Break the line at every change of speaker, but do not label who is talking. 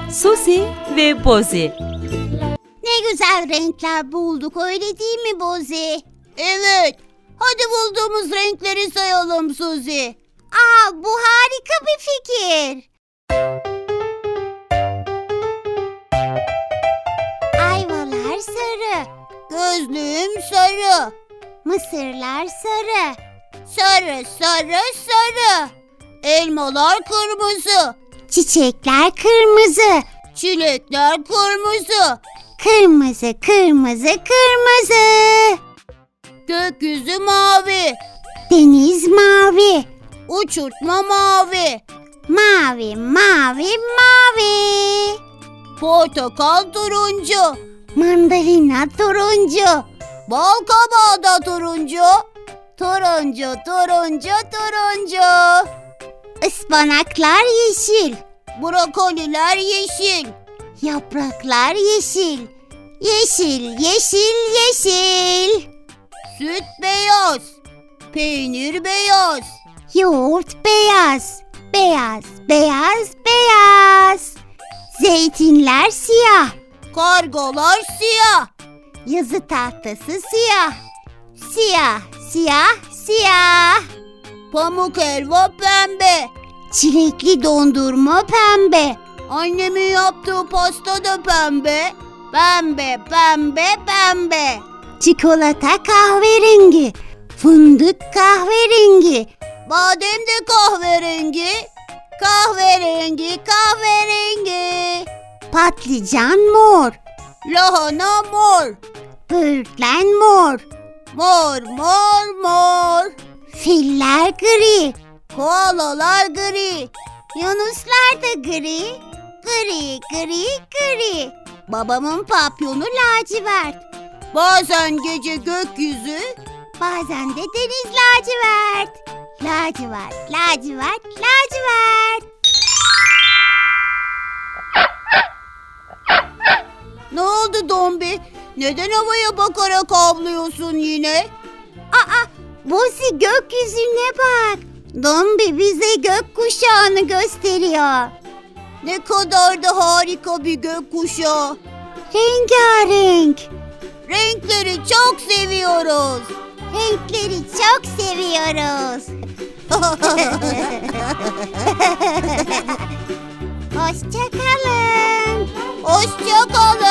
Suzi ve Bozi.
Ne güzel renkler bulduk, öyle değil mi Bozi? Evet. Hadi bulduğumuz renkleri sayalım Suzi. Bu harika bir fikir. Ayvalar sarı. Gözlüğüm sarı. Mısırlar sarı. Sarı, sarı, sarı. Elmalar kırmızı. Çiçekler kırmızı. Çilekler kırmızı. Kırmızı, kırmızı, kırmızı. Gökyüzü mavi. Deniz mavi. Uçurtma mavi. Mavi, mavi, mavi. Portakal turuncu. Mandalina turuncu. Bal kabağı da turuncu. Turuncu, turuncu, turuncu. Ispanaklar yeşil. Brokoliler yeşil. Yapraklar yeşil. Yeşil, yeşil, yeşil. Süt beyaz. Peynir beyaz. Yoğurt beyaz. Beyaz, beyaz, beyaz. Zeytinler siyah. Kargalar siyah. Yazı tahtası siyah. Siyah, siyah, siyah. Pamuk helva pembe. Çilekli dondurma pembe. Annemin yaptığı pasta da pembe. Pembe, pembe, pembe. Çikolata kahverengi. Fındık kahverengi. Badem de kahverengi. Kahverengi, kahverengi. Patlıcan mor. Lahana mor. Böğürtlen mor. Mor, mor, mor. Filler gri. Koalalar gri. Yunuslar da gri. Gri, gri, gri. Babamın papyonu lacivert. Bazen gece gökyüzü, bazen de deniz lacivert. Lacivert, lacivert, lacivert. Ne oldu Dombi? Neden havaya bakarak avlıyorsun yine? Bozi, gökyüzüne bak. Dombi bize gökkuşağını gösteriyor. Ne kadar da harika bir gökkuşağı. Rengarenk. Renkleri çok seviyoruz. Renkleri çok seviyoruz. Hoşça kalın. Hoşça kalın.